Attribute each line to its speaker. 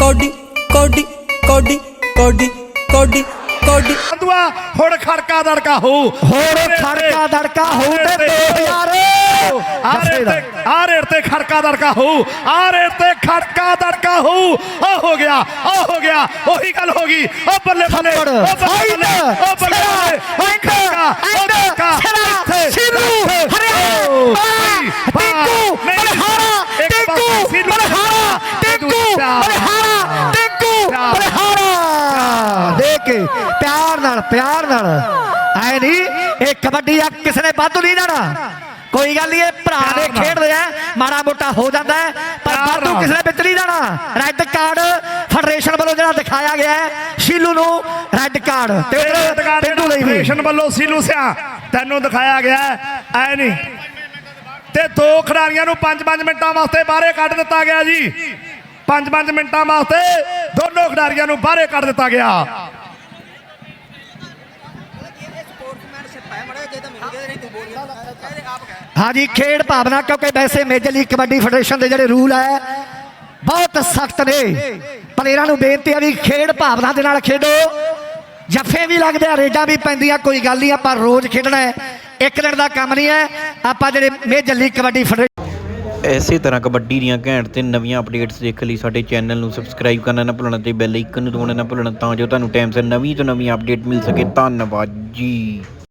Speaker 1: Cody ਕੋਡੀ ਕੋਡੀ ਕੋਡੀ ਕੋਡੀ ਕੋਡੀ
Speaker 2: ਹੁਣ ਖੜਕਾ ਦੜਕਾ ਹੋ
Speaker 3: ਹੋਰ ਖੜਕਾ ਦੜਕਾ ਹੋ ਤੇ 2000
Speaker 2: ਆ ਰੇਟ ਤੇ ਖੜਕਾ ਦੜਕਾ ਹੋ ਆ ਰੇਟ ਤੇ ਖੜਕਾ ਦੜਕਾ ਹੋ ਆ ਹੋ ਗਿਆ ਉਹੀ ਗੱਲ ਹੋ ਗਈ ਉਹ ਬੱਲੇ ਬੱਲੇ ਉਹ ਬੱਲੇ ਉਹ ਬੱਲੇ ਉਹ ਖੜਕਾ ਉਹ ਦੜਕਾ
Speaker 3: ਸਿਰੂ ਟਿੰਕੂ ਬਲਹਾਰਾ ਟਿੰਕੂ ਬਲਹਾਰਾ ਟਿੰਕੂ ਬਲਹਾਰਾ ਟਿੰਕੂ ਬਲਹਾਰਾ ਦੇਖ ਕੇ ਪਿਆਰ ਨਾਲ ਐ ਨਹੀਂ ਇਹ ਕਬੱਡੀ ਆ ਕਿਸੇ ਨੇ ਵਾਧੂ ਨਹੀਂ ਜਾਣਾ ਕੋਈ ਗੱਲ ਨਹੀਂ ਇਹ ਭਰਾ ਦੇ ਖੇਡਦੇ ਆ ਮਾੜਾ ਮੋਟਾ ਹੋ ਜਾਂਦਾ ਪਰ ਵਾਧੂ ਕਿਸੇ ਨੇ ਵਿੱਚ ਨਹੀਂ ਜਾਣਾ ਰੈੱਡ ਕਾਰਡ ਫੈਡਰੇਸ਼ਨ ਵੱਲੋਂ ਜਿਹੜਾ ਦਿਖਾਇਆ ਗਿਆ ਸ਼ੀਲੂ ਨੂੰ ਰੈੱਡ ਕਾਰਡ ਤੇ
Speaker 2: ਫੈਡਰੇਸ਼ਨ ਵੱਲੋਂ ਸ਼ੀਲੂ ਸਿਆ ਤੈਨੂੰ ਦਿਖਾਇਆ ਗਿਆ ਐ ਨਹੀਂ ਤੇ ਦੋ ਖਿਡਾਰੀਆਂ ਨੂੰ 5-5 ਮਿੰਟਾਂ ਵਾਸਤੇ ਬਾਹਰੇ ਕੱਢ ਦਿੱਤਾ ਗਿਆ ਜੀ 5-5 ਮਿੰਟਾਂ ਵਾਸਤੇ ਦੋਨੋਂ ਖਿਡਾਰੀਆਂ ਨੂੰ ਬਾਹਰੇ ਕੱਢ ਦਿੱਤਾ ਗਿਆ
Speaker 3: हाँ जी खेड भावना क्योंकि वैसे मेजर लीग कबड्डी फेडरेशन के जोड़े रूल है बहुत सख्त ने प्लेयरों को बेनती है भी खेड भावना के नाल खेडो जफे भी लगते हैं रेडा भी पैंदियां कोई गल नहीं आप रोज़ खेडना है एक दिन का काम नहीं है आप जो मेजर लीग कबड्डी फेडरेशन
Speaker 4: ਇਸੇ ਤਰ੍ਹਾਂ ਕਬੱਡੀ ਦੀਆਂ ਘੈਂਟ ਤੇ ਨਵੀਆਂ ਅਪਡੇਟਸ ਦੇਖਣ ਲਈ ਸਾਡੇ ਚੈਨਲ ਨੂੰ ਸਬਸਕ੍ਰਾਈਬ ਕਰਨਾ ਨਾ ਭੁੱਲਣਾ ਤੇ ਬੈਲ ਆਈਕਨ ਨੂੰ ਦਬਾਉਣਾ ਨਾ ਭੁੱਲਣਾ ਤਾਂ ਜੋ ਤੁਹਾਨੂੰ ਟਾਈਮ ਸਿਰ ਨਵੀਂ ਤੋਂ ਨਵੀਂ ਅਪਡੇਟ ਮਿਲ ਸਕੇ ਧੰਨਵਾਦ ਜੀ।